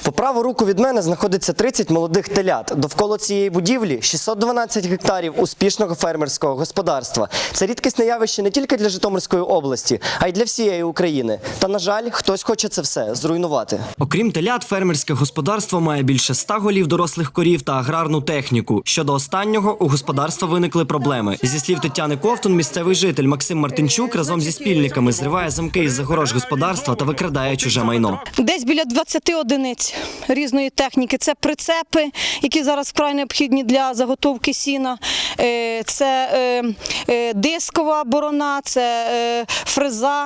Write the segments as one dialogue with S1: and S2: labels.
S1: По праву руку від мене знаходиться 30 молодих телят. Довкола цієї будівлі 612 гектарів успішного фермерського господарства. Це рідкісне явище не тільки для Житомирської області, а й для всієї України. Та, на жаль, хтось хоче це все зруйнувати. Окрім телят, фермерське господарство має більше 100 голів дорослих корів та аграрну техніку. Щодо останнього, у господарства виникли проблеми. Зі слів Тетяни Ковтун, місцевий житель Максим Мартинчук разом зі спільниками зриває замки із загорож господарства та викрадає чуже майно.
S2: Десь біля 20 одиниць різної техніки. Це прицепи, які зараз вкрай необхідні для заготовки сіна, це дискова борона, це фреза,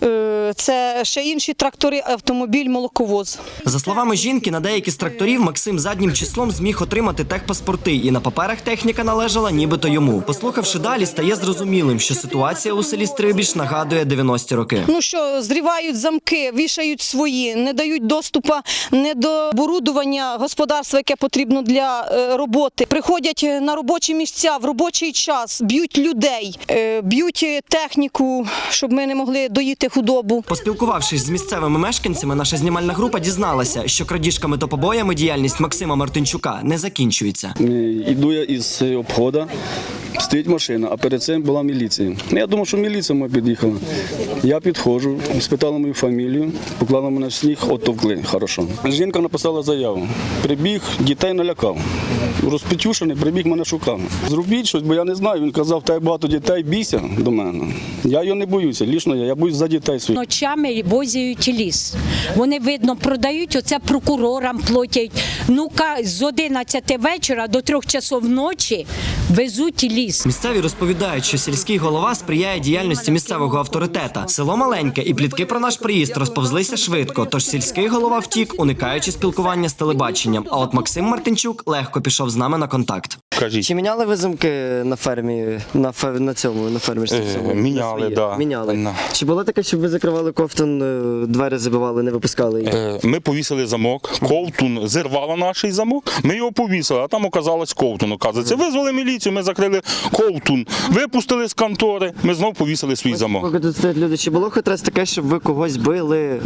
S2: це ще інші трактори, автомобіль, молоковоз.
S1: За словами жінки, на деякі з тракторів Максим заднім числом зміг отримати техпаспорти, і на паперах техніка належала нібито йому. Послухавши далі, стає зрозумілим, що ситуація у селі Стрибіж нагадує 90-ті роки.
S2: Ну що, зривають замки, вішають свої, не дають доступу не до оборудування господарства, яке потрібно для роботи. Приходять на робочі місця в робочий час, б'ють людей, б'ють техніку, щоб ми не могли доїти худобу.
S1: Поспілкувавшись з місцевими мешканцями, наша знімальна група дізналася, що крадіжками та побоями діяльність Максима Мартинчука не закінчується.
S3: Іду я із обходу, стоїть машина, а перед цим була міліція. Я думав, що міліція моя під'їхала. Я підходжу, спитала мою фамілію, поклала мене в сніг, оттовкли, хорошо. Жінка написала заяву. Прибіг, дітей налякав. Розпечушений, прибіг, мене шукав. Зробіть щось, бо я не знаю. Він казав, в тебе багато дітей, бійся до мене. Я його не боюся, лічно я боюсь за дітей своїх.
S4: Ночами возять ліс. Вони, видно, продають, оце прокурорам платять. Ну-ка, з 11 вечора до 3 часов ночі везуть ліс.
S1: Місцеві розповідають, що сільський голова сприяє діяльності місцевого авторитета. Село маленьке, і плітки про наш приїзд розповзлися швидко, тож сільський голова втік, уникаючи спілкування з телебаченням. А от Максим Мартинчук легко пішов з нами на контакт.
S5: Кажіть.
S1: Чи міняли ви замки на фермі, на фермерстві?
S5: Міняли, да.
S1: Міняли.
S5: Да.
S1: Чи було таке, щоб ви закривали ковтун, двері забивали, не випускали їх?
S5: Ми повісили замок, ковтун зірвала наш замок, ми його повісили, а там оказалось ковтун. Оказується, визвали міліцію, ми закрили ковтун, випустили з контори, ми знов повісили свій замок.
S1: Поки тут стоять люди, чи було хоч раз таке, щоб ви когось били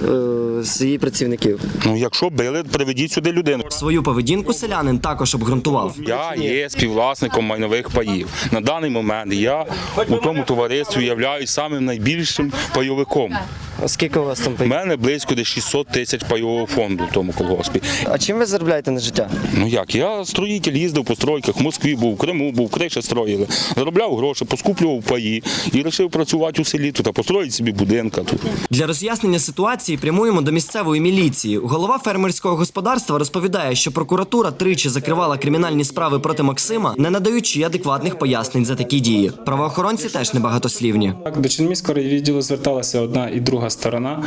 S1: з її працівників?
S5: Ну, якщо били, приведіть сюди людину.
S1: Свою поведінку селянин також обґрунтував.
S5: Я є співвласником майнових паїв. На даний момент я у тому товаристві являюсь самим найбільшим пайовиком.
S1: А скільки у вас там
S5: У
S1: паїв?
S5: мене близько десь 600 тисяч пайового фонду в тому колгоспі.
S1: А чим ви заробляєте на життя?
S5: Ну як, я строїтель, їздив по стройках, в Москві був, в Криму був, криші строїли. Заробляв гроші, поскуплював паї і вирішив працювати у селі тут, а построїть собі будинка тут.
S1: Для роз'яснення ситуації прямуємо до місцевої міліції. Голова фермерського господарства розповідає, що прокуратура тричі закривала кримінальні справи проти Максима, не надаючи адекватних пояснень за такі дії. Правоохоронці теж небагатослівні.
S6: До Чернігівського відділу зверталася одна і друга сторона.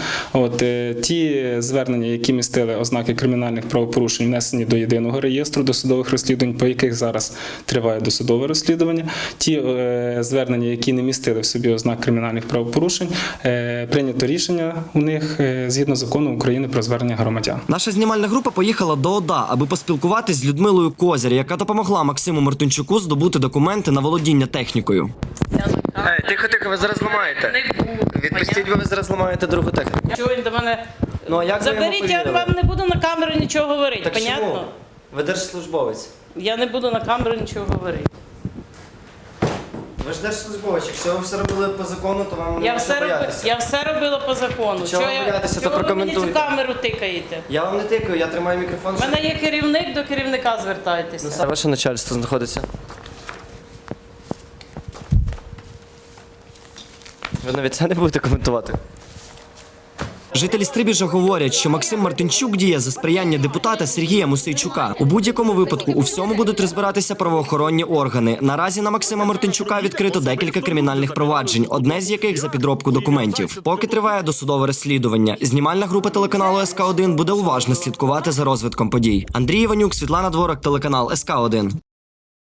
S6: Ті звернення, які містили ознаки кримінальних правопорушень, внесені до єдиного реєстру досудових розслідувань, по яких зараз триває досудове розслідування. Ті звернення, які не містили в собі ознак кримінальних правопорушень, прийнято рішення у них згідно закону України про звернення громадян.
S1: Наша знімальна група поїхала до ОДА, аби поспілкуватись з Людмилою Козір, яка допомогла Максиму Мартинчуку здобути документи на володіння технікою. Тихо, ви зараз ламаєте.
S7: Не буду.
S1: Відпустіть, ви зараз ламаєте другу техніку.
S7: Чого він до мене?
S1: Ну, а як ви йому
S7: Заберіть, я
S1: повірили?
S7: вам не буду на камеру нічого говорити,
S1: Так
S7: понятно?
S1: чому? Ви держслужбовець.
S7: Я не буду на камеру нічого говорити.
S1: Ви ж держслужбовець. Якщо ви все робили по закону, то вам не можна боятися.
S7: Я все робила по закону.
S1: Чого ви боятися, то
S7: чого ви мені
S1: прокоментуйте.
S7: цю камеру тикаєте?
S1: Я вам не тикаю, я тримаю мікрофон.
S7: У мене є керівник, до керівника звертайтеся.
S1: Ваше начальство знаходиться. Ви навіть це не будете коментувати. Жителі Стрибіжа говорять, що Максим Мартинчук діє за сприяння депутата Сергія Мусейчука. У будь-якому випадку у всьому будуть розбиратися правоохоронні органи. Наразі на Максима Мартинчука відкрито декілька кримінальних проваджень, одне з яких за підробку документів. Поки триває досудове розслідування, знімальна група телеканалу СК1 буде уважно слідкувати за розвитком подій. Андрій Іванюк, Світлана Дворак, телеканал СК1.